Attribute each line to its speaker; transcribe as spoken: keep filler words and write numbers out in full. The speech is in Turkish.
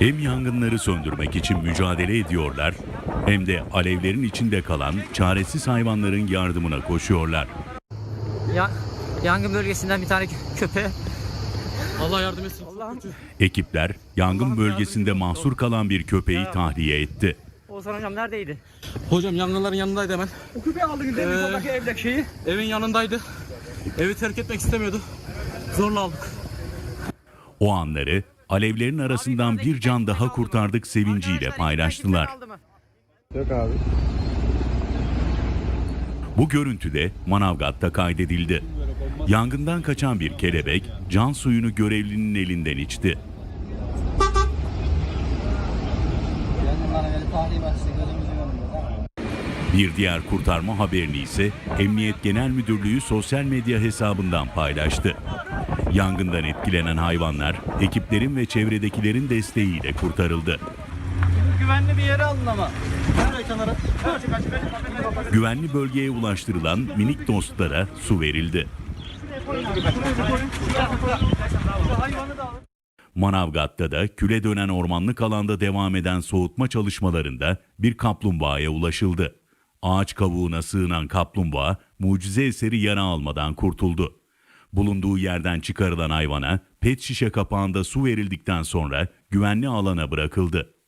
Speaker 1: Hem yangınları söndürmek için mücadele ediyorlar, hem de alevlerin içinde kalan çaresiz hayvanların yardımına koşuyorlar.
Speaker 2: Ya, yangın bölgesinden bir tane kö- köpeğe
Speaker 3: Allah yardım etsin.
Speaker 2: Allah'ım.
Speaker 1: Ekipler yangın bölgesinde mahsur kalan bir köpeği tahliye etti.
Speaker 2: Oğuzhan hocam neredeydi?
Speaker 3: Hocam yangınların yanındaydı hemen.
Speaker 2: O köpeği aldınız değil mi?
Speaker 3: Ee,
Speaker 2: Soldaki evdeki şeyi.
Speaker 3: Evin yanındaydı. Evi terk etmek istemiyordu. Zorla aldık.
Speaker 1: O anları alevlerin arasından bir can daha kurtardık sevinciyle paylaştılar.
Speaker 4: Yok abi.
Speaker 1: Bu görüntü de Manavgat'ta kaydedildi. Yangından kaçan bir kelebek can suyunu görevlinin elinden içti. Bir diğer kurtarma haberini ise Emniyet Genel Müdürlüğü sosyal medya hesabından paylaştı. Yangından etkilenen hayvanlar ekiplerin ve çevredekilerin desteğiyle kurtarıldı.
Speaker 4: Güvenli bir yere alın ama. Nereye kenara?
Speaker 1: Güvenli bölgeye ulaştırılan minik dostlara su verildi. Manavgat'ta da küle dönen ormanlık alanda devam eden soğutma çalışmalarında bir kaplumbağaya ulaşıldı. Ağaç kavuğuna sığınan kaplumbağa mucize eseri yara almadan kurtuldu. Bulunduğu yerden çıkarılan hayvana pet şişe kapağında su verildikten sonra güvenli alana bırakıldı.